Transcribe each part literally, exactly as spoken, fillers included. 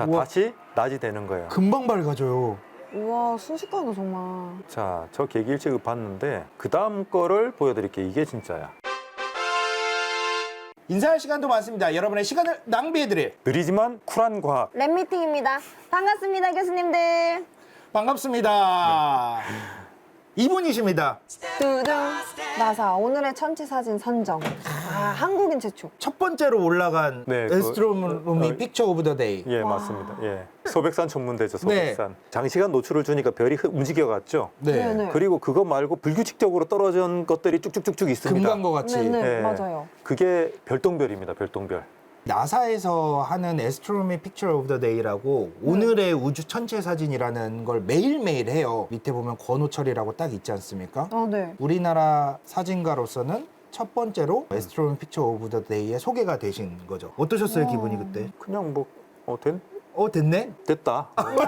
자, 우와. 다시 낮이 되는 거예요. 금방 밝아져요. 우와, 순식간에 정말. 자, 저 계기일찍을 봤는데 그 다음 거를 보여드릴게요. 이게 진짜야. 인사할 시간도 많습니다. 여러분의 시간을 낭비해드릴 느리지만 쿨한 과학. 랩 미팅입니다. 반갑습니다, 교수님들. 반갑습니다. 이분이십니다. 두둥. 나사 오늘의 천체 사진 선정. 아, 한국인 최초. 첫 번째로 올라간 네, 그- 에스트로노미 어, 픽처 오브 더 데이. 예, 와. 맞습니다. 예. 소백산 천문대죠, 네. 소백산. 장시간 노출을 주니까 별이 흐- 움직여갔죠. 네. 네네. 그리고 그거 말고 불규칙적으로 떨어진 것들이 쭉쭉쭉쭉 있습니다. 금광과 같이. 네네, 예. 맞아요. 그게 별똥별입니다, 별똥별. 나사에서 하는 에스트로노미 픽처 오브 더 데이라고 오늘의 우주 천체 사진이라는 걸 매일매일 해요. 밑에 보면 권호철이라고 딱 있지 않습니까? 아, 네. 우리나라 사진가로서는 첫 번째로 에스트로노미 픽처 오브 더 데이에 소개가 되신 거죠. 어떠셨어요, 와. 기분이 그때? 그냥 뭐, 어, 된, 어, 됐네? 됐다.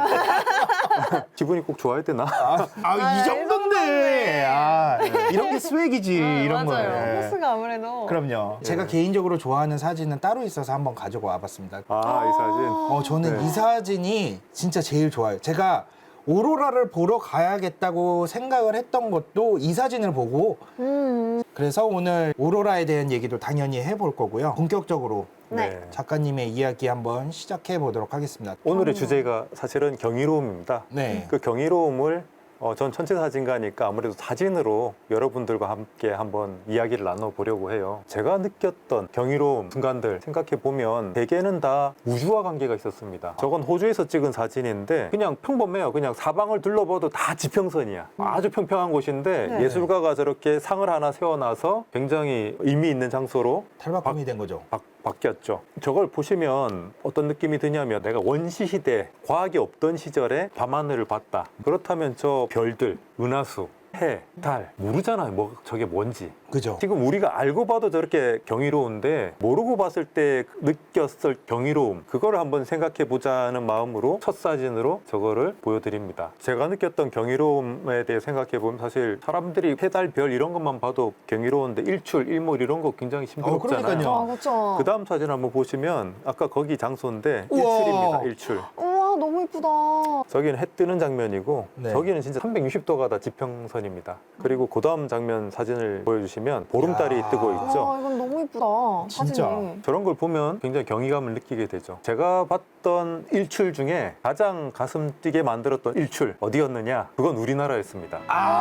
기분이 꼭 좋아야 되나? 아, 아, 아, 이 이 정도인데. 정도인데. 아, 이런 게 스웩이지, 이런 거. 맞아요. 코스가 아무래도. 그럼요. 제가 개인적으로 좋아하는 사진은 따로 있어서 한번 가지고 와봤습니다. 아, 이 사진. 어, 저는 네. 이 사진이 진짜 제일 좋아요. 제가 오로라를 보러 가야겠다고 생각을 했던 것도 이 사진을 보고, 음. 그래서 오늘 오로라에 대한 얘기도 당연히 해볼 거고요. 본격적으로 네. 작가님의 이야기 한번 시작해 보도록 하겠습니다. 오늘의 음. 주제가 사실은 경이로움입니다. 네. 그 경이로움을 어, 전 천체사진가니까 아무래도 사진으로 여러분들과 함께 한번 이야기를 나눠보려고 해요. 제가 느꼈던 경이로움 순간들 생각해보면 대개는 다 우주와 관계가 있었습니다. 저건 호주에서 찍은 사진인데 그냥 평범해요. 그냥 사방을 둘러봐도 다 지평선이야. 아주 평평한 곳인데 네. 예술가가 저렇게 상을 하나 세워놔서 굉장히 의미 있는 장소로 탈바꿈이 된 거죠. 바, 바뀌었죠. 저걸 보시면 어떤 느낌이 드냐면 내가 원시 시대 과학이 없던 시절에 밤하늘을 봤다. 그렇다면 저 별들, 은하수, 해, 달 모르잖아요. 뭐 저게 뭔지. 그죠? 지금 우리가 알고 봐도 저렇게 경이로운데 모르고 봤을 때 느꼈을 경이로움 그거를 한번 생각해 보자는 마음으로 첫 사진으로 저거를 보여드립니다. 제가 느꼈던 경이로움에 대해 생각해 보면 사실 사람들이 해달 별 이런 것만 봐도 경이로운데 일출, 일몰 이런 거 굉장히 힘들었잖아요. 그러니까요. 아, 그렇죠. 그 다음 사진 한번 보시면 아까 거기 장소인데 우와. 일출입니다. 일출. 우와, 너무 이쁘다. 저기는 해 뜨는 장면이고 네. 저기는 진짜 삼백육십 도가 다 지평선입니다. 그리고 그 다음 장면 사진을 보여주시면 보름달이 야. 뜨고 있죠. 와, 이건 너무 이쁘다. 진짜. 사진이. 저런 걸 보면 굉장히 경이감을 느끼게 되죠. 제가 봤던 일출 중에 가장 가슴 뛰게 만들었던 일출 어디였느냐? 그건 우리나라였습니다.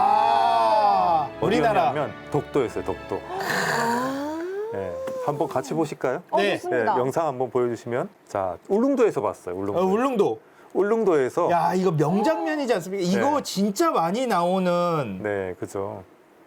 아, 우리나라. 어디였냐면 독도였어요. 독도. 아. 네. 한번 같이 보실까요? 어, 네. 네, 좋습니다. 영상 한번 보여주시면 자 울릉도에서 봤어요. 울릉도. 어, 울릉도. 울릉도에서 야, 이거 명장면이지 않습니까? 이거 네. 진짜 많이 나오는. 네, 그죠.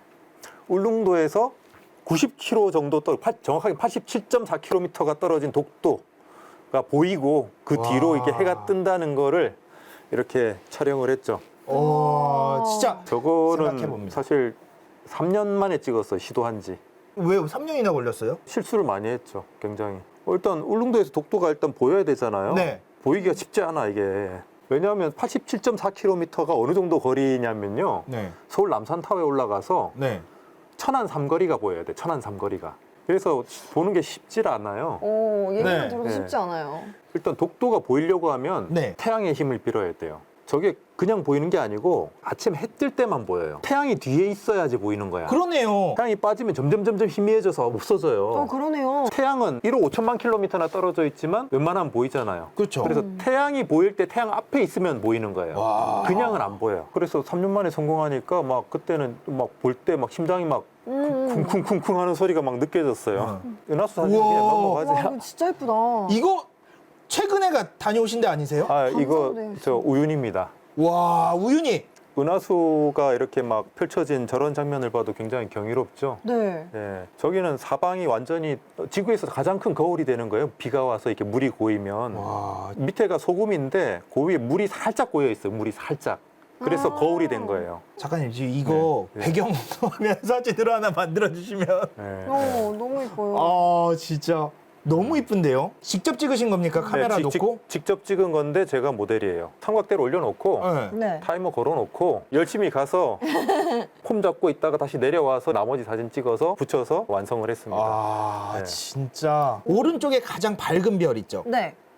울릉도에서 구십 킬로미터 정도 떨어, 팔- 정확하게 팔십칠 점 사 킬로미터가 떨어진 독도가 보이고 그 와. 뒤로 이렇게 해가 뜬다는 거를 이렇게 촬영을 했죠. 오, 진짜. 저거는 생각해봅니다. 사실 삼 년 만에 찍었어요, 시도한 지. 왜 삼 년이나 걸렸어요? 실수를 많이 했죠, 굉장히. 어, 일단 울릉도에서 독도가 일단 보여야 되잖아요. 네. 보이기가 쉽지 않아, 이게. 왜냐하면 팔십칠 점 사 킬로미터가 어느 정도 거리냐면요. 네. 서울 남산타워에 올라가서 네. 천안 삼거리가 보여야 돼. 천안 삼거리가. 그래서 보는 게 쉽질 않아요. 오, 얘기만 네. 들어도 네. 쉽지 않아요. 일단 독도가 보이려고 하면 네. 태양의 힘을 빌어야 돼요. 저게 그냥 보이는 게 아니고 아침 해 뜰 때만 보여요. 태양이 뒤에 있어야지 보이는 거야. 그러네요. 태양이 빠지면 점점 점점 희미해져서 없어져요. 어, 그러네요. 태양은 일억 오천만 킬로미터나 떨어져 있지만 웬만하면 보이잖아요. 그렇죠. 그래서 태양이 보일 때 태양 앞에 있으면 보이는 거예요. 와. 그냥은 안 보여요. 그래서 삼 년 만에 성공하니까 막 그때는 막 볼 때 막 심장이 막 음. 쿵쿵쿵쿵 하는 소리가 막 느껴졌어요. 은하수 사진 우와. 그냥 와, 넘어가지. 이거 진짜 예쁘다. 이거 최근에 가 다녀오신 데 아니세요? 아, 이거 감사합니다. 저 우윤입니다. 와, 우윤희. 은하수가 이렇게 막 펼쳐진 저런 장면을 봐도 굉장히 경이롭죠. 네. 예, 저기는 사방이 완전히 지구에서 가장 큰 거울이 되는 거예요. 비가 와서 이렇게 물이 고이면 와. 밑에가 소금인데 그 위에 물이 살짝 고여 있어요. 물이 살짝. 그래서 아. 거울이 된 거예요. 작가님, 지금 이거 네, 네. 배경 화면 사진으로 하나 만들어 주시면. 예, 어, 예. 너무 예뻐요. 아, 진짜 너무 이쁜데요? 직접 찍으신 겁니까? 카메라 네, 직- 놓고? 직, 직접 찍은 건데 제가 모델이에요. 삼각대를 올려놓고 네. 네. 타이머 걸어놓고 열심히 가서 폼 잡고 있다가 다시 내려와서 나머지 사진 찍어서 붙여서 완성을 했습니다. 아, 네. 진짜. 오른쪽에 가장 밝은 별 있죠? 네.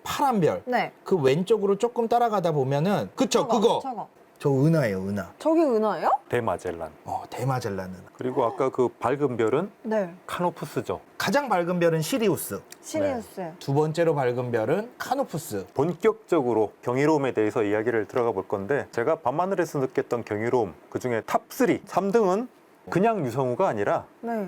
파란 별. 네. 그 왼쪽으로 조금 따라가다 보면은 그쵸 저거, 그거. 저거. 저 은하예요 은하. 저게 은하예요? 대마젤란. 어 대마젤란 은하. 그리고 아까 그 밝은 별은 네. 카노푸스죠. 가장 밝은 별은 시리우스. 시리우스. 두 번째로 밝은 별은 카노푸스. 본격적으로 경이로움에 대해서 이야기를 들어가 볼 건데 제가 밤하늘에서 느꼈던 경이로움 그중에 탑삼, 삼 등은 그냥 유성우가 아니라 네.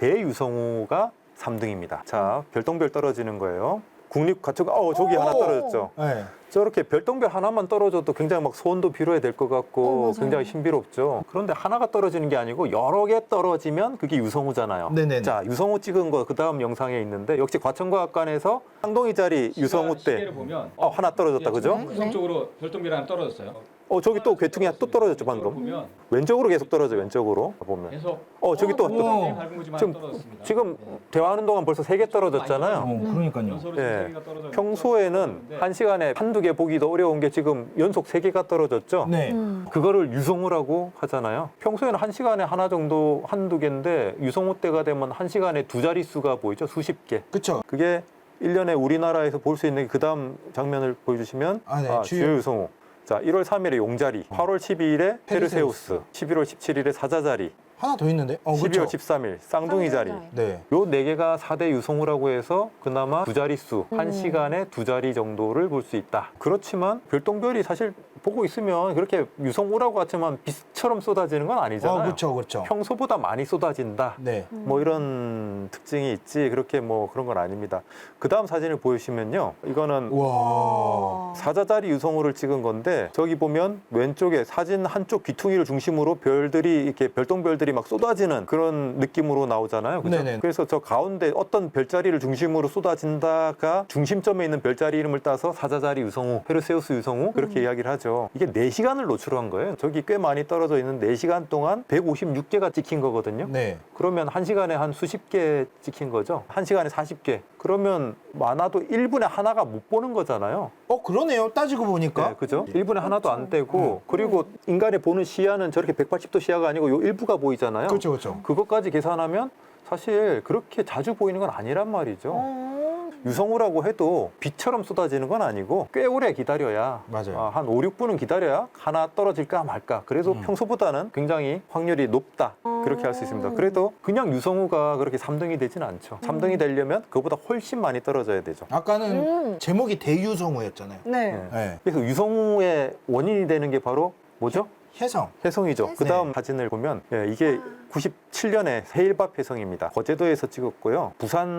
대유성우가 삼 등입니다. 자, 별똥별 떨어지는 거예요. 국립과천, 어, 저기 오! 하나 떨어졌죠. 네. 저렇게 별똥별 하나만 떨어져도 굉장히 막 소원도 빌어야 될 것 어, 같고 맞아요. 굉장히 신비롭죠. 그런데 하나가 떨어지는 게 아니고 여러 개 떨어지면 그게 유성우잖아요. 네네네. 자, 유성우 찍은 거 그 다음 영상에 있는데 역시 과천과학관에서 쌍둥이 자리 유성우 때 시계를 보면 어, 하나 떨어졌다, 그죠? 네. 유성적으로 별똥별이 하나 떨어졌어요. 어, 저기 또 괴퉁이 또 떨어졌죠, 방금. 보면 왼쪽으로 계속 떨어져, 왼쪽으로 보면. 계속 어, 저기 또, 오. 또 굉장히 밝은 거지만 지금, 떨어졌습니다. 지금 네. 대화하는 동안 벌써 세 개 떨어졌잖아요. 어, 그러니까요. 연소로 예. 세 개가 떨어져 평소에는 떨어졌는데 한 시간에 한두 개 보기도 어려운 게 지금 연속 세 개가 떨어졌죠. 네. 음. 그거를 유성우라고 하잖아요. 평소에는 한 시간에 하나 정도 한두 개인데 유성우 때가 되면 한 시간에 두 자릿수가 보이죠. 수십 개. 그쵸. 그게 일 년에 우리나라에서 볼 수 있는 그 다음 장면을 보여주시면 아, 네. 주요 주요. 유성우. 자, 일월 삼일에 용자리, 팔월 십이일에 페르세우스. 페르세우스, 십일월 십칠일에 사자자리, 하나 더 있는데? 어, 그쵸. 십이월 십삼일 쌍둥이 자리. 네. 요 네 개가 사 대 유성우라고 해서 그나마 두 자릿수, 한 음. 시간에 두 자리 정도를 볼 수 있다. 그렇지만 별똥별이 사실 보고 있으면 그렇게 유성우라고 하지만 빛처럼 쏟아지는 건 아니잖아요. 어, 그쵸, 그쵸. 평소보다 많이 쏟아진다. 네. 뭐 이런 특징이 있지 그렇게 뭐 그런 건 아닙니다. 그 다음 사진을 보여주시면요. 이거는 와. 사자자리 유성우를 찍은 건데 저기 보면 왼쪽에 사진 한쪽 귀퉁이를 중심으로 별들이 이렇게 별똥별들이 막 쏟아지는 그런 느낌으로 나오잖아요. 그죠? 네네. 그래서 저 가운데 어떤 별자리를 중심으로 쏟아진다가 중심점에 있는 별자리 이름을 따서 사자자리 유성우, 페르세우스 유성우 그렇게 이야기를 하죠. 이게 네 시간을 노출한 거예요. 저기 꽤 많이 떨어져 있는 네 시간 동안 백오십육 개가 찍힌 거거든요. 네. 그러면 한 시간에 한 수십 개 찍힌 거죠. 한 시간에 사십 개. 그러면 많아도 일 분에 하나가 못 보는 거잖아요. 어, 그러네요. 따지고 보니까. 네, 그죠? 일 분에 하나도 안 되고 음. 그리고 인간이 보는 시야는 저렇게 백팔십 도 시야가 아니고 요 일부가 보이잖아요. 그렇죠, 그렇죠. 그것까지 계산하면 사실 그렇게 자주 보이는 건 아니란 말이죠. 어. 유성우라고 해도 빛처럼 쏟아지는 건 아니고 꽤 오래 기다려야 맞아요. 아, 한 오, 육 분은 기다려야 하나 떨어질까 말까. 그래도 음. 평소보다는 굉장히 확률이 높다. 그렇게 할 수 있습니다. 그래도 그냥 유성우가 그렇게 삼 등이 되지는 않죠. 삼 등이 되려면 그보다 훨씬 많이 떨어져야 되죠. 아까는 음. 제목이 대유성우였잖아요. 네. 네. 네. 그래서 유성우의 원인이 되는 게 바로 뭐죠? 혜성. 혜성이죠. 혜성. 그 다음 사진을 보면 예, 이게 구십칠 년에 해일밥 혜성입니다. 거제도에서 찍었고요.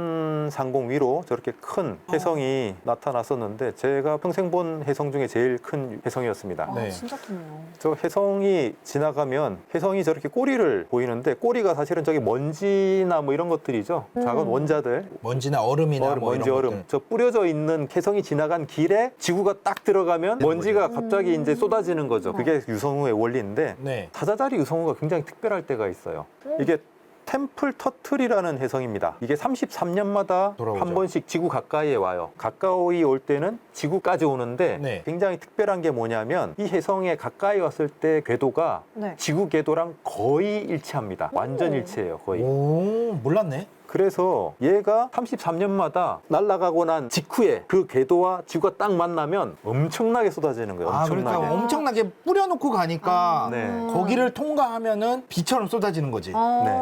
부산 상공 위로 저렇게 큰 혜성이 나타났었는데 제가 평생 본 혜성 중에 제일 큰 혜성이었습니다. 아, 네. 진짜 크네요. 저 혜성이 지나가면 혜성이 저렇게 꼬리를 보이는데 꼬리가 사실은 저기 먼지나 뭐 이런 것들이죠. 음. 작은 원자들. 먼지나 얼음이나 얼음, 뭐 먼지 이런 얼음. 것들. 저 뿌려져 있는 혜성이 지나간 길에 지구가 딱 들어가면 먼지가 갑자기 음. 이제 쏟아지는 거죠. 그게 유성우의 원리인데 네. 사자자리 유성우가 굉장히 특별할 때가 있어요. 이게 템플 터틀이라는 혜성입니다. 이게 삼십삼 년마다 돌아오죠. 한 번씩 지구 가까이에 와요. 가까이 올 때는 지구까지 오는데 네. 굉장히 특별한 게 뭐냐면 이 혜성에 가까이 왔을 때 궤도가 네. 지구 궤도랑 거의 일치합니다. 완전 오. 일치해요. 거의. 오, 몰랐네. 그래서 얘가 삼십삼 년마다 날아가고 난 직후에 그 궤도와 지구가 딱 만나면 엄청나게 쏟아지는 거예요. 아, 엄청나게. 그러니까 엄청나게 뿌려놓고 가니까 아. 네. 거기를 통과하면은 비처럼 쏟아지는 거지. 아. 네,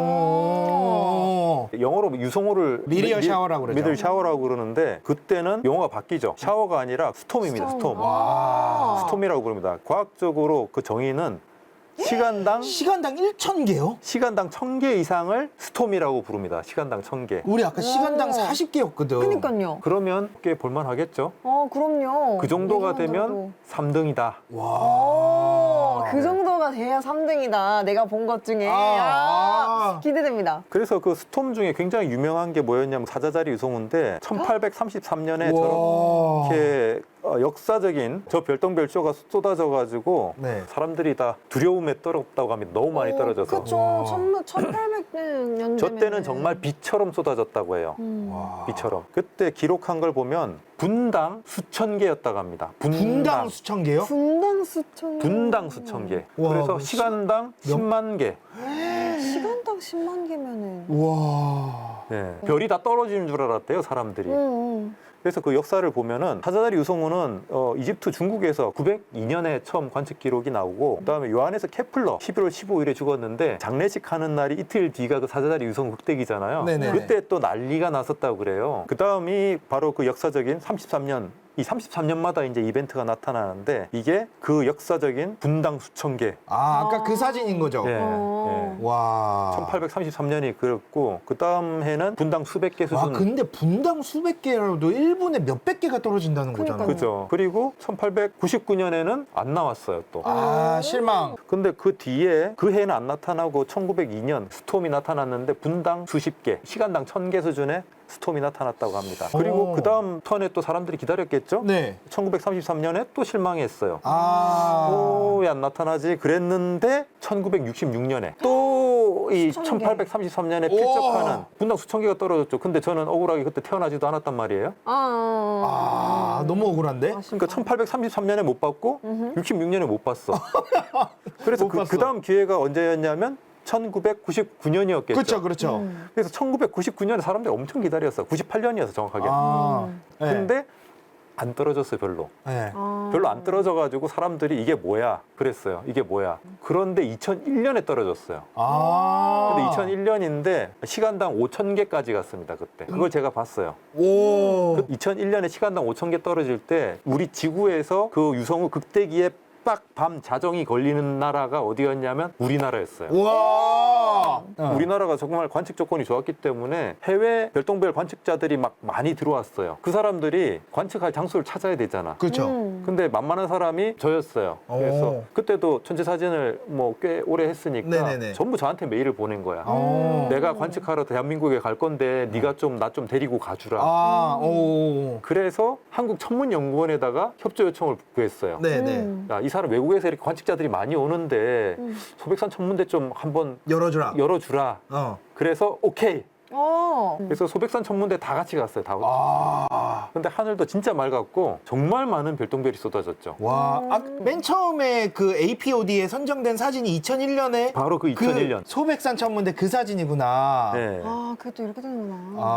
오. 영어로 유성우를 미리어 샤워라고 그러죠. 미들 샤워라고 그러는데 그때는 용어가 바뀌죠. 샤워가 아니라 스톰입니다. 스톰. 와. 스톰이라고 부릅니다. 과학적으로 그 정의는 시간당 시간당 일천 개요? 시간당 천 개 이상을 스톰이라고 부릅니다. 시간당 천 개. 우리 아까 시간당 오. 사십 개였거든. 그니까요. 그러면 꽤 볼만하겠죠. 어, 그럼요. 그 정도가 이 정도도. 되면 삼 등이다. 오, 와. 그 정도가 돼야 삼 등이다. 내가 본 것 중에. 아, 아, 아. 기대됩니다. 그래서 그 스톰 중에 굉장히 유명한 게 뭐였냐면 사자자리 유성우인데 천팔백삼십삼 년에 와. 저렇게 어, 역사적인 저 별똥별쇼가 쏟아져 가지고 네. 사람들이 다 두려움에 떨었다고 합니다. 너무 많이 떨어져서. 그쵸. 와. 천팔백 년 저 때는 정말 비처럼 쏟아졌다고 해요. 음. 와. 비처럼. 그때 기록한 걸 보면 분당 수천 개였다고 합니다. 분당 수천 개요? 분당 수천 개. 분당 수천 개. 와, 그래서 그 시- 시간당 십만 개. 시간당 십만 개면은. 와. 네. 별이 다 떨어지는 줄 알았대요, 사람들이. 음, 음. 그래서 그 역사를 보면은 사자자리 유성우는 어, 이집트 중국에서 구백이 년에 처음 관측 기록이 나오고 그다음에 요한에서 케플러 십일월 십오일에 죽었는데 장례식 하는 날이 이틀 뒤가 그 사자자리 유성우 흑대기잖아요. 네네. 그때 또 난리가 났었다고 그래요. 그 다음이 바로 그 역사적인 삼십삼 년. 이 삼십삼 년마다 이제 이벤트가 나타나는데 이게 그 역사적인 분당 수천 개. 아, 아까 그 사진인 거죠? 예, 어. 예. 와. 천팔백삼십삼 년이 그랬고 그 다음 해는 분당 수백 개 와, 수준. 근데 분당 수백 개라도 일 분에 몇백 개가 떨어진다는 거잖아요. 그러니까요. 그죠. 그리고 천팔백구십구 년에는 안 나왔어요 또. 아, 실망. 근데 그 뒤에 그 해는 안 나타나고 천구백이 년 스톰이 나타났는데 분당 수십 개, 시간당 천 개 수준의 스톰이 나타났다고 합니다. 그리고 오. 그 다음 턴에 또 사람들이 기다렸겠죠? 네. 천구백삼십삼 년에 또 실망했어요. 아. 또 왜 안 나타나지? 그랬는데 천구백육십육 년에 또 이 수천 개. 천팔백삼십삼 년에 오. 필적하는 분당 수천 개가 떨어졌죠. 근데 저는 억울하게 그때 태어나지도 않았단 말이에요. 아, 아, 너무 억울한데? 그러니까 천팔백삼십삼 년에 못 봤고 음흠. 육십육 년에 못 봤어. 그래서 못 그, 봤어. 그 다음 기회가 언제였냐면 천구백구십구 년이었겠죠. 그렇죠, 그렇죠. 음. 그래서 천구백구십구 년에 사람들이 엄청 기다렸어. 구십팔 년이어서 정확하게. 아. 네. 근데 안 떨어졌어요, 별로. 네. 아. 별로 안 떨어져가지고 사람들이 이게 뭐야 그랬어요. 이게 뭐야. 그런데 이천일 년에 떨어졌어요. 아. 근데 이천일 년인데 시간당 오천 개까지 갔습니다, 그때. 그걸 제가 봤어요. 오. 그 이천일 년에 시간당 오천 개 떨어질 때 우리 지구에서 그 유성우 극대기에 딱 밤 자정이 걸리는 나라가 어디였냐면 우리나라였어요. 와. 어. 우리나라가 정말 관측 조건이 좋았기 때문에 해외 별똥별 관측자들이 막 많이 들어왔어요. 그 사람들이 관측할 장소를 찾아야 되잖아. 그렇죠. 음. 근데 만만한 사람이 저였어요. 그래서 오. 그때도 천체 사진을 뭐 꽤 오래 했으니까 네네네. 전부 저한테 메일을 보낸 거야. 어. 내가 관측하러 대한민국에 갈 건데 네가 좀 나 좀 데리고 가주라. 아, 오. 그래서 한국천문연구원에다가 협조 요청을 구했어요. 네네. 음. 야, 이 사람 외국에서 이렇게 관측자들이 많이 오는데 음. 소백산 천문대 좀 한번 열어주라. 열어주라. 어. 그래서 오케이. 어. 그래서 소백산 천문대 다 같이 갔어요. 다. 아. 근데 하늘도 진짜 맑았고 정말 많은 별똥별이 쏟아졌죠. 와. 아, 맨 처음에 그 에이피오디에 선정된 사진이 이천일 년에 바로 그 이천일 년. 그 소백산 천문대 그 사진이구나. 네. 아, 그게 또 이렇게 되는구나.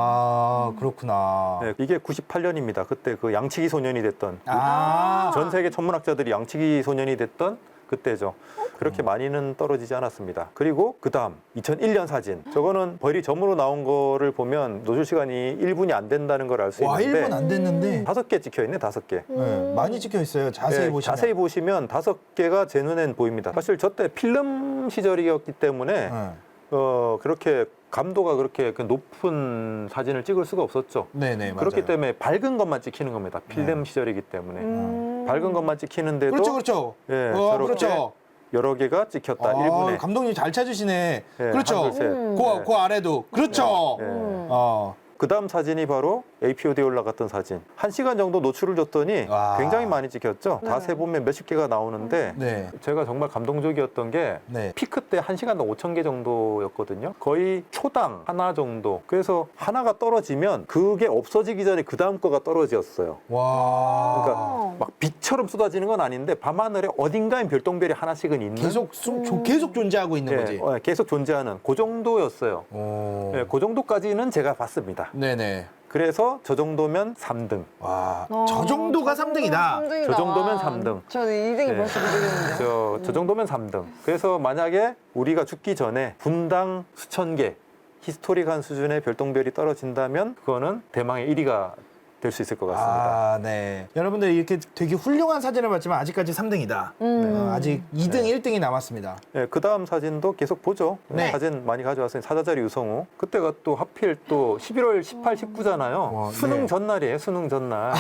아, 그렇구나. 네, 이게 구십팔 년입니다. 그때 그 양치기 소년이 됐던 아. 전 세계 천문학자들이 양치기 소년이 됐던 그때죠. 그렇게 많이는 떨어지지 않았습니다. 그리고 그 다음 이천일 년 사진. 저거는 벌이 점으로 나온 거를 보면 노출 시간이 일 분이 안 된다는 걸 알 수 와, 일 있는데 분 안 됐는데 다섯 개 찍혀 있네, 다섯 개. 네, 많이 찍혀 있어요. 자세히 네, 보시면. 자세히 보시면 다섯 개가 제 눈엔 보입니다. 사실 저 때 필름 시절이었기 때문에 네. 어, 그렇게 감도가 그렇게 그 높은 사진을 찍을 수가 없었죠. 네네, 그렇기 맞아요. 때문에 밝은 것만 찍히는 겁니다. 필름 네. 시절이기 때문에. 음. 밝은 것만 찍히는데도 그렇죠, 그렇죠. 예, 어, 저렇게 그렇죠. 여러 개가 찍혔다. 아, 일 분에. 감독님 잘 찾으시네. 예, 그렇죠. 한글 셋. 음. 그, 네. 그 아래도. 그렇죠. 예. 음. 어. 그 다음 사진이 바로 에이피오디에 올라갔던 사진. 한 시간 정도 노출을 줬더니 와. 굉장히 많이 찍혔죠. 다 네. 세보면 몇십 개가 나오는데 네. 제가 정말 감동적이었던 게 네. 피크 때 한 시간당 오천 개 정도였거든요. 거의 초당 하나 정도. 그래서 하나가 떨어지면 그게 없어지기 전에 그 다음 거가 떨어졌어요. 와. 그러니까 막 빛처럼 쏟아지는 건 아닌데 밤하늘에 어딘가엔 별똥별이 하나씩은 있는 계속 수, 조- 계속 존재하고 있는 예, 거지. 어, 계속 존재하는 그 정도였어요. 오. 예, 그 정도까지는 제가 봤습니다. 네네. 그래서 저 정도면 삼 등. 와. 어, 저 정도가 삼 등이다. 삼등이다. 저 정도면 삼 등. 저는 이 등이 네. 벌써 이 등인데. 저, 저 정도면 삼 등. 그래서 만약에 우리가 죽기 전에 분당 수천 개 히스토릭한 수준의 별똥별이 떨어진다면 그거는 대망의 일 위가 될 수 있을 것 같습니다. 아, 네. 여러분들 이렇게 되게 훌륭한 사진을 봤지만 아직까지 삼 등이다. 음. 어, 아직 이 등, 네. 일 등이 남았습니다. 예, 그 다음 사진도 계속 보죠. 네. 사진 많이 가져왔으니 사자자리 유성우. 그때가 또 하필 또 십일월 십팔, 십구잖아요. 와, 수능 네. 전날이에요, 수능 전날.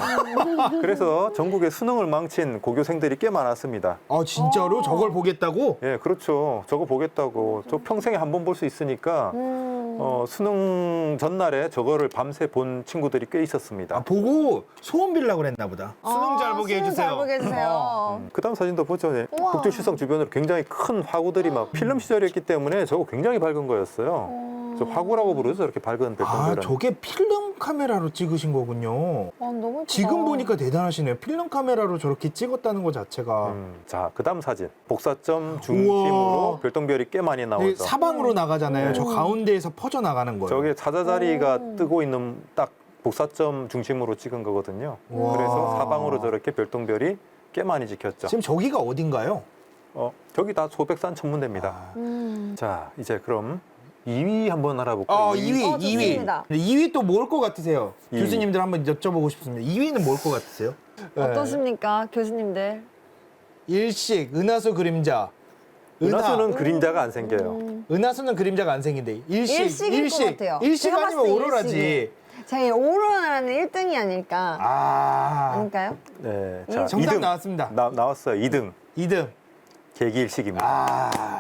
그래서 전국에 수능을 망친 고교생들이 꽤 많았습니다. 아, 진짜로? 어. 저걸 보겠다고? 예, 그렇죠. 저거 보겠다고. 저 평생에 한 번 볼 수 있으니까 음. 어, 수능 전날에 저거를 밤새 본 친구들이 꽤 있었습니다. 아, 보고 소원 빌라고 그랬나 보다. 수능 잘 보게 수능 해주세요. 잘 보게 해주세요. 어. 그 다음 사진도 보죠. 네. 우와. 북두칠성 주변으로 굉장히 큰 화구들이 막 필름 시절이었기 때문에 저거 굉장히 밝은 거였어요. 어. 저 화구라고 부르죠. 저렇게 밝은 아, 별똥별은. 저게 필름 카메라로 찍으신 거군요. 아, 너무 예쁘다. 지금 보니까 대단하시네요. 필름 카메라로 저렇게 찍었다는 것 자체가. 음, 자, 그 다음 사진. 복사점 중심으로 우와. 별똥별이 꽤 많이 이게 나오죠. 사방으로 나가잖아요. 저 음. 가운데에서 퍼져 나가는 거예요. 저게 사자자리가 음. 뜨고 있는 딱 복사점 중심으로 찍은 거거든요. 와. 그래서 사방으로 저렇게 별똥별이 꽤 많이 찍혔죠. 지금 저기가 어딘가요? 어, 저기 다 소백산 천문대입니다. 아. 음. 자, 이제 그럼 이 위 한번 알아볼까요? 어, 이 이 위, 어, 이 위. 좋습니다. 이 위 또 뭘 것 같으세요? 이 위. 교수님들 한번 여쭤보고 싶습니다. 이 위는 뭘 것 같으세요? 네. 어떻습니까, 교수님들? 일식, 은하수 그림자. 은하수는 그림자가 안 생겨요. 음. 은하수는 그림자가 안 생긴데 일식, 일식일 것 같아요. 일식 제가 아니면 봤을 때 오로라지. 일식이에요. 제 오로라는 일 등이 아닐까. 아, 아닐까요? 네, 이- 자, 정답 이 등. 나왔습니다. 나, 나왔어요. 이 등. 이 등. 개기일식입니다. 아,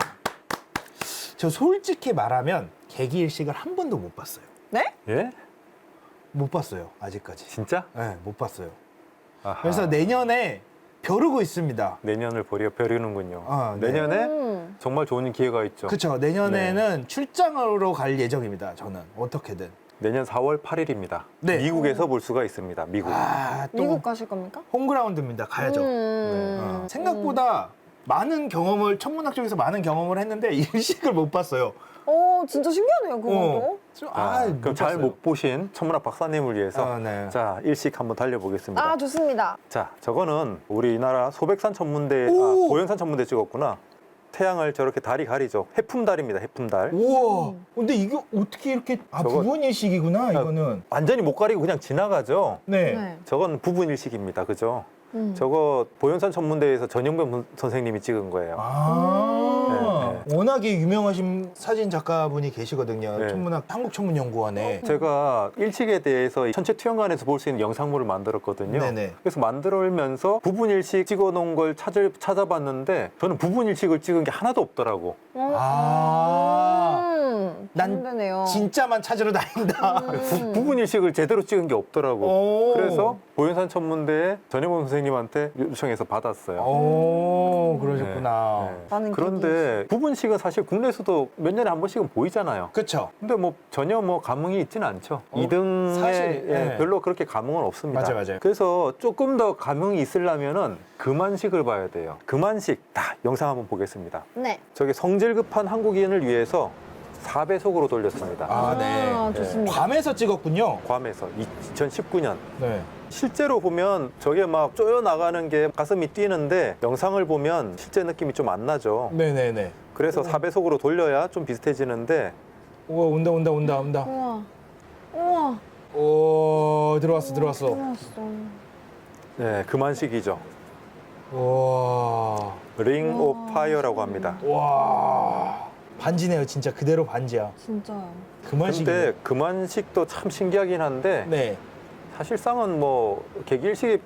저 솔직히 말하면 개기일식을 한 번도 못 봤어요. 네? 예? 못 봤어요, 아직까지. 진짜? 네, 못 봤어요. 아하. 그래서 내년에 벼르고 있습니다. 내년을 버려 벼르는군요. 아, 네. 내년에 음. 정말 좋은 기회가 있죠. 그렇죠. 내년에는 출장으로 갈 예정입니다. 저는 어떻게든. 내년 사월 팔일입니다. 네. 미국에서 볼 수가 있습니다. 미국. 아, 또 미국 가실 겁니까? 홈그라운드입니다. 가야죠. 음. 어, 생각보다 많은 경험을 천문학 쪽에서 많은 경험을 했는데 일식을 못 봤어요. 오, 진짜 신기하네요, 그것도. 좀, 자, 아, 그럼 잘 봤어요. 못 보신 천문학 박사님을 위해서 아, 네. 자 일식 한번 달려보겠습니다. 아, 좋습니다. 자, 저거는 우리나라 소백산 천문대, 아, 오! 보현산 천문대 찍었구나. 태양을 저렇게 달이 가리죠. 해품달입니다. 해품달. 우와. 근데 이게 어떻게 이렇게 아 저거- 부분 일식이구나 이거는. 완전히 못 가리고 그냥 지나가죠. 네. 네. 저건 부분 일식입니다. 그죠? 음. 저거 보현산 천문대에서 전용변 선생님이 찍은 거예요. 아, 네, 워낙에 유명하신 사진 작가분이 계시거든요. 네. 천문학 한국천문연구원에. 제가 일식에 대해서 천체 투영관에서 볼 수 있는 영상물을 만들었거든요. 네네. 그래서 만들면서 부분 일식 찍어놓은 걸 찾을, 찾아봤는데 저는 부분 일식을 찍은 게 하나도 없더라고. 어, 아. 음, 난 반대네요. 진짜만 찾으러 다닌다. 음. 부, 부분 일식을 제대로 찍은 게 없더라고. 오. 그래서 보현산 천문대에 전혜범 선생님한테 요청해서 받았어요. 오, 그러셨구나. 네, 네. 나는 그런데 부분식은 사실 국내에서도 몇 년에 한 번씩은 보이잖아요. 그렇죠. 근데 뭐 전혀 뭐 감흥이 있지는 않죠. 어, 이 등에 사실, 예, 네. 별로 그렇게 감흥은 없습니다. 맞아요, 맞아요. 그래서 조금 더 감흥이 있으려면은 금한식을 봐야 돼요. 금한식 다 영상 한번 보겠습니다. 네. 저게 성질 급한 한국인을 위해서 사 배속으로 돌렸습니다. 아, 네. 아, 좋습니다. 괌에서 찍었군요. 괌에서 이천십구 년. 네. 실제로 보면 저게 막 쪼여 나가는 게 가슴이 뛰는데 영상을 보면 실제 느낌이 좀 안 나죠. 네네네. 그래서 사 배속으로 돌려야 좀 비슷해지는데 우와, 온다, 온다, 온다, 온다. 우와. 우와. 오, 들어왔어, 들어왔어. 들어왔어. 네, 금한식이죠. 와. 링 우와. 오브 파이어라고 합니다. 와. 반지네요, 진짜 그대로 반지야. 진짜요. 그만식이. 근데 금한식도 참 신기하긴 한데 네. 사실상은 뭐 개기일식이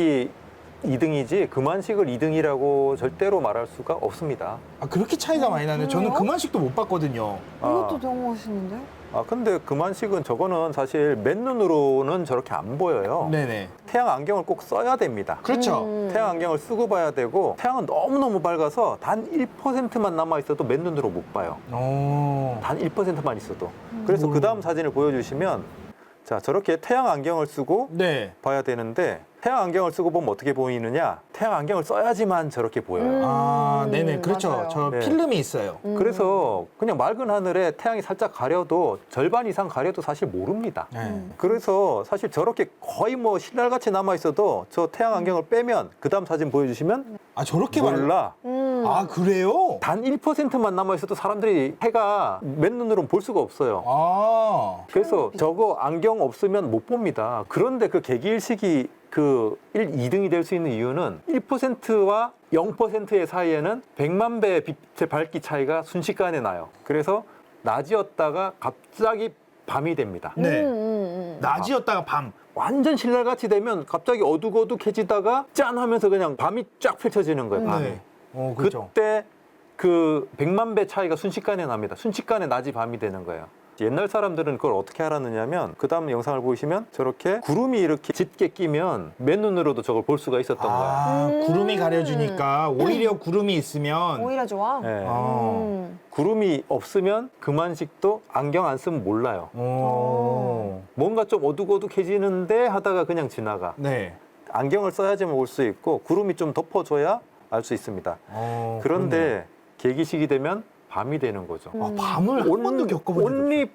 이 등이지 금한식을 이 등이라고 절대로 말할 수가 없습니다. 아, 그렇게 차이가 많이 나네. 저는 그래요? 그만식도 못 봤거든요. 이것도 아. 너무 멋있는데? 아 근데 금한식은 저거는 사실 맨눈으로는 저렇게 안 보여요. 네네. 태양 안경을 꼭 써야 됩니다. 그렇죠. 음. 태양 안경을 쓰고 봐야 되고 태양은 너무너무 밝아서 단 일 퍼센트만 남아 있어도 맨눈으로 못 봐요. 오. 단 일 퍼센트만 있어도. 그래서 음. 그 다음 사진을 보여주시면 자 저렇게 태양 안경을 쓰고 네. 봐야 되는데 태양 안경을 쓰고 보면 어떻게 보이느냐? 태양 안경을 써야지만 저렇게 보여요. 음. 아, 네네. 그렇죠. 맞아요. 저 네. 필름이 있어요. 음. 그래서 그냥 맑은 하늘에 태양이 살짝 가려도 절반 이상 가려도 사실 모릅니다. 네. 음. 그래서 사실 저렇게 거의 뭐 신랄같이 남아 있어도 저 태양 안경을 빼면 그 다음 사진 보여주시면 아, 저렇게 말 몰라. 음. 아, 그래요? 단 일 퍼센트만 남아 있어도 사람들이 해가 맨눈으로는 볼 수가 없어요. 아. 그래서 저거 안경 없으면 못 봅니다. 그런데 그 개기일식이 그 일, 이 등이 될 수 있는 이유는 일 퍼센트와 영 퍼센트의 사이에는 백만 배의 빛의 밝기 차이가 순식간에 나요. 그래서 낮이었다가 갑자기 밤이 됩니다. 네. 음, 음, 음. 낮이었다가 밤. 완전 신랄같이 되면 갑자기 어둑어둑해지다가 짠 하면서 그냥 밤이 쫙 펼쳐지는 거예요. 밤이. 네. 어, 그렇죠. 그때 그 백만 배 차이가 순식간에 납니다. 순식간에 낮이 밤이 되는 거예요. 옛날 사람들은 그걸 어떻게 알았느냐면 그 다음 영상을 보시면 저렇게 구름이 이렇게 짙게 끼면 맨눈으로도 저걸 볼 수가 있었던 거예요. 아, 음. 구름이 가려주니까 오히려 구름이 있으면 오히려 좋아? 네. 아. 음. 구름이 없으면 금한식도 안경 안 쓰면 몰라요. 오. 뭔가 좀 어둑어둑해지는데 하다가 그냥 지나가. 네. 안경을 써야지만 볼 수 있고 구름이 좀 덮어줘야 알 수 있습니다. 어, 그런데 개기식이 되면 밤이 되는 거죠. 그러네요. 아, 밤을 한 번도 겪어본 적이 온리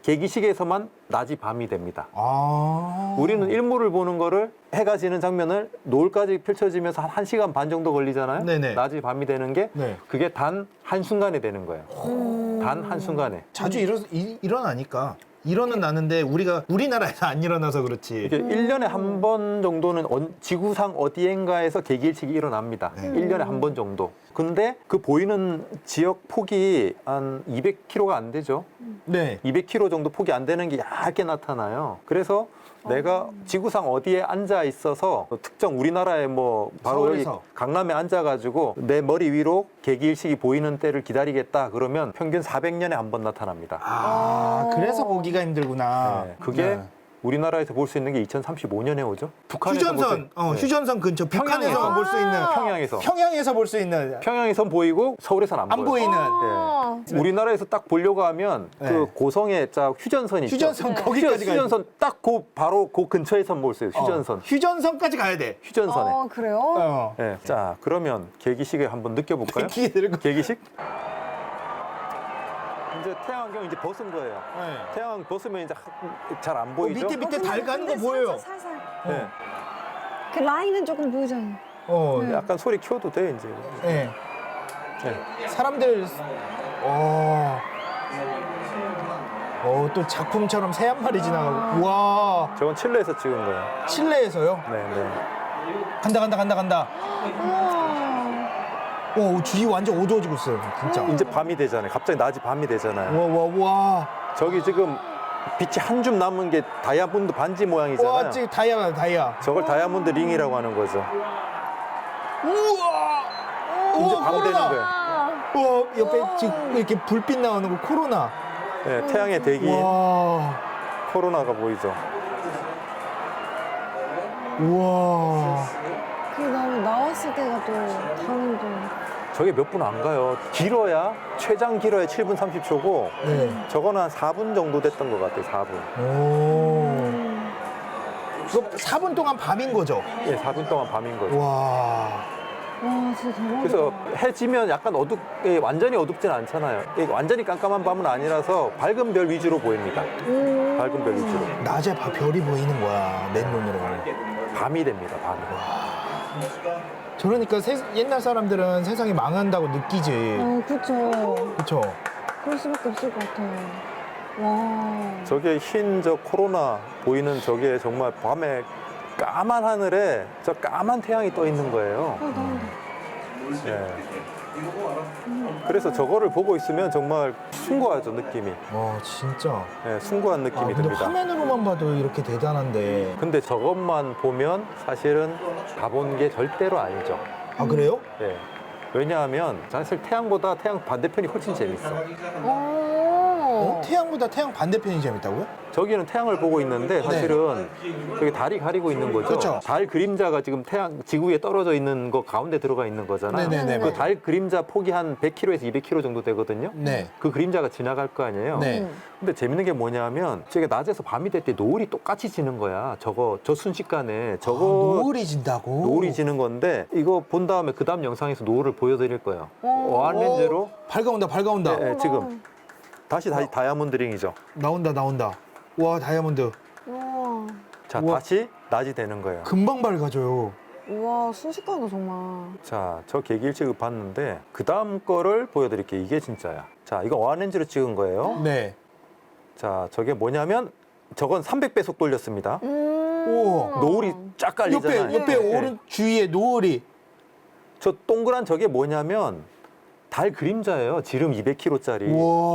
계기식에서만 낮이 밤이 됩니다. 아. 우리는 일몰을 보는 거를 해가 지는 장면을 노을까지 펼쳐지면서 한 1시간 반 정도 걸리잖아요. 네네. 낮이 밤이 되는 게 네. 그게 단 한순간에 되는 거예요. 음. 단 한순간에. 자주 일어, 일, 일어나니까. 일어는 나는데 우리가 우리나라에서 안 일어나서 그렇지. 이게 일 년에 한 번 정도는 언- 지구상 어디엔가에서 계기일식이 일어납니다. 네. 일 년에 한 번 정도. 근데 그 보이는 지역 폭이 한 이백 킬로미터가 안 되죠. 네. 이백 킬로미터 정도 폭이 안 되는 게 얇게 나타나요. 그래서 내가 지구상 어디에 앉아 있어서 특정 우리나라에 뭐 바로 서울에서. 여기 강남에 앉아가지고 내 머리 위로 계기일식이 보이는 때를 기다리겠다 그러면 평균 사백 년에 한 번 나타납니다. 아, 어. 그래서 보기가 힘들구나. 네, 그게 네. 우리나라에서 볼 수 있는 게 이천삼십오 년에 오죠. 북한에서 볼 수 휴전선, 있- 어, 네. 휴전선 근처 북한에서 평양에서. 볼 수 있는 평양에서 평양에서 볼 수 있는 평양에선 보이고 서울에선 안, 안 보여요. 보이는 아. 네. 우리나라에서 딱 보려고 하면 네. 그 고성에 딱 휴전선이 있죠. 휴전선 네. 거기까지 가야 돼. 휴전선 딱 그 바로 그 근처에선 볼 수 있어요. 휴전선. 어, 휴전선까지 가야 돼. 휴전선에. 어, 그래요? 어. 네. 자, 그러면 계기식을 한번 느껴볼까요? 기계 들고. 계기식? 이제 태양광 이제 벗은 거예요. 네. 태양광 벗으면 이제 잘 안 어, 보이죠? 밑에 밑에 어, 달 근데- 가는 거 근데 보여요. 살짝, 살살. 네. 그 라인은 조금 보이잖아요. 어, 네. 약간 소리 키워도 돼 이제. 네. 네. 사람들 어. 어, 또 작품처럼 새 한 마리 지나가고. 와. 저건 칠레에서 찍은 거예요. 칠레에서요? 네, 네. 간다 간다 간다 간다. 우와. 와, 주위 완전 어두워지고 있어요. 진짜. 이제 밤이 되잖아요. 갑자기 낮이 밤이 되잖아요. 와, 와, 와. 저기 지금 빛이 한 줌 남은 게 다이아몬드 반지 모양이잖아요. 와, 지금 다이아가 다이아. 저걸 다이아몬드 링이라고 하는 거죠. 우와. 이제 우와, 밤 되는 코로나. 거예요. 우와, 옆에 지금 이렇게 불빛 나오는 거 코로나. 네, 태양의 대기 와. 코로나가 보이죠. 우와. 그 다음에 나왔을 때가 또 다른 또. 저게 몇 분 안 가요. 길어야 최장 길어야 칠 분 삼십 초고 네. 저거는 한 사 분 정도 됐던 것 같아요. 사 분. 오. 음. 이거 사 분 동안 밤인 거죠? 예, 사 분 동안 밤인 거죠. 와. 와, 진짜 대박이다. 그래서 해 지면 약간 어둡, 예, 완전히 어둡진 않잖아요. 예, 완전히 깜깜한 밤은 아니라서 밝은 별 위주로 보입니다. 음. 밝은 별 위주로. 낮에 봐, 별이 보이는 거야, 맨눈으로. 밤이 됩니다. 밤이. 저러니까 세- 옛날 사람들은 세상이 망한다고 느끼지. 어, 그쵸. 그쵸? 그럴 수밖에 없을 것 같아요. 와. 저게 흰 저 코로나 보이는 저게 정말 밤에 까만 하늘에 저 까만 태양이 떠 있는 거예요. 어, 나온다. 예. 그래서 저거를 보고 있으면 정말 숭고하죠, 느낌이. 와, 진짜. 예, 숭고한 아, 느낌이 근데 듭니다. 화면으로만 봐도 이렇게 대단한데. 근데 저것만 보면 사실은 가본 게 절대로 아니죠. 아, 그래요? 예. 왜냐하면 사실 태양보다 태양 반대편이 훨씬 재밌어. 어? 어. 태양보다 태양 반대편이 재밌다고요? 저기는 태양을 보고 있는데 사실은 저기 달이 가리고 있는 거죠. 그렇죠. 달 그림자가 지금 태양 지구에 떨어져 있는 거 가운데 들어가 있는 거잖아요. 네네네. 그 달 그림자 폭이 한 백 킬로미터에서 이백 킬로미터 정도 되거든요. 네. 그 그림자가 지나갈 거 아니에요. 네. 음. 근데 재밌는 게 뭐냐면 저게 낮에서 밤이 될 때 노을이 똑같이 지는 거야. 저거 저 순식간에 저거 아, 노을이 진다고? 노을이 지는 건데 이거 본 다음에 그 다음 영상에서 노을을 보여드릴 거예요. 어. 어안렌즈로 오, 밝아온다, 밝아온다. 네, 네, 지금 다시 다시 다이아몬드 링이죠. 나온다, 나온다. 와, 다이아몬드. 우와. 자 우와. 다시 낮이 되는 거예요. 금방 밝아져요. 우와, 순식간이다, 정말. 자, 저 계기일찍을 봤는데 그 다음 거를 보여드릴게요. 이게 진짜야. 자, 이거 어안렌즈로 찍은 거예요. 네. 자, 저게 뭐냐면 저건 삼백 배속 돌렸습니다. 음. 우와. 노을이 쫙 깔리잖아요. 옆에, 옆에 네. 오른 주위에 노을이. 저 동그란 저게 뭐냐면 달 그림자예요. 지름 이백 킬로미터짜리.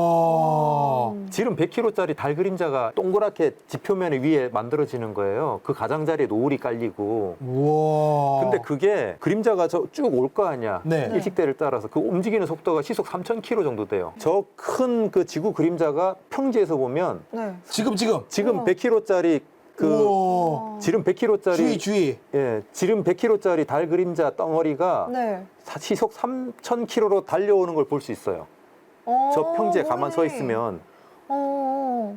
와. 지름 백 킬로미터짜리 달 그림자가 동그랗게 지표면 위에 만들어지는 거예요. 그 가장자리에 노을이 깔리고. 와. 근데 그게 그림자가 저 쭉 올 거 아니야. 네. 일식대를 따라서 그 움직이는 속도가 시속 삼천 킬로미터 정도 돼요. 저 큰 그 지구 그림자가 평지에서 보면 네. 지금, 지금. 지금 우와. 백 킬로미터짜리 그 우와. 지름 백 킬로미터짜리 주위, 주위. 예, 지름 백 킬로미터짜리 달 그림자 덩어리가 네. 사- 시속 삼천 킬로미터로 달려오는 걸 볼 수 있어요. 어, 저 평지에 가만 서 그러네. 있으면. 어.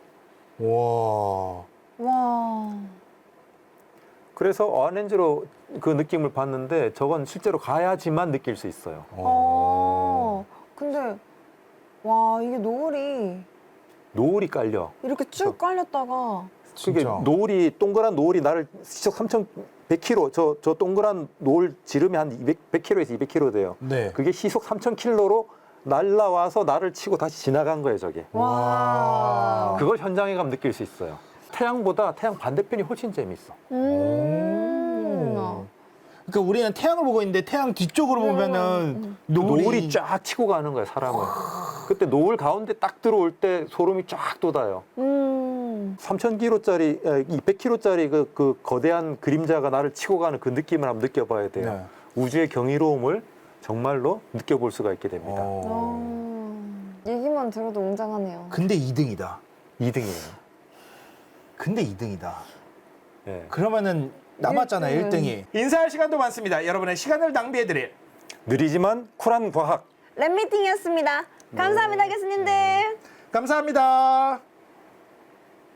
와. 와. 그래서 어안렌즈로 그 느낌을 봤는데 저건 실제로 가야지만 느낄 수 있어요. 어. 근데 와, 이게 노을이 노을이 깔려. 이렇게 쭉 깔렸다가 그게 진짜. 노을이 동그란 노을이 나를 시속 삼천백 킬로미터 저, 저 동그란 노을 지름이 한 이백, 백 킬로미터에서 이백 킬로미터 돼요. 네. 그게 시속 삼천 킬로미터로 날라와서 나를 치고 다시 지나간 거예요, 저게. 와. 그걸 현장에 가면 느낄 수 있어요. 태양보다 태양 반대편이 훨씬 재밌어. 음. 그러니까 우리는 태양을 보고 있는데 태양 뒤쪽으로 보면은 노을이, 노을이 쫙 치고 가는 거예요, 사람을. 그때 노을 가운데 딱 들어올 때 소름이 쫙 돋아요. 음. 삼천 킬로미터짜리, 이백 킬로미터짜리 그, 그 거대한 그림자가 나를 치고 가는 그 느낌을 한번 느껴봐야 돼요. 네. 우주의 경이로움을 정말로 느껴볼 수가 있게 됩니다. 어. 어. 얘기만 들어도 웅장하네요. 근데 이 등이다. 이 등이에요. 근데 이 등이다. 예. 그러면은 남았잖아요, 일 등이. 일 인사할 시간도 많습니다. 여러분의 시간을 낭비해드릴. 느리지만 쿨한 과학. 랩미팅이었습니다. 감사합니다, 교수님들. 감사합니다.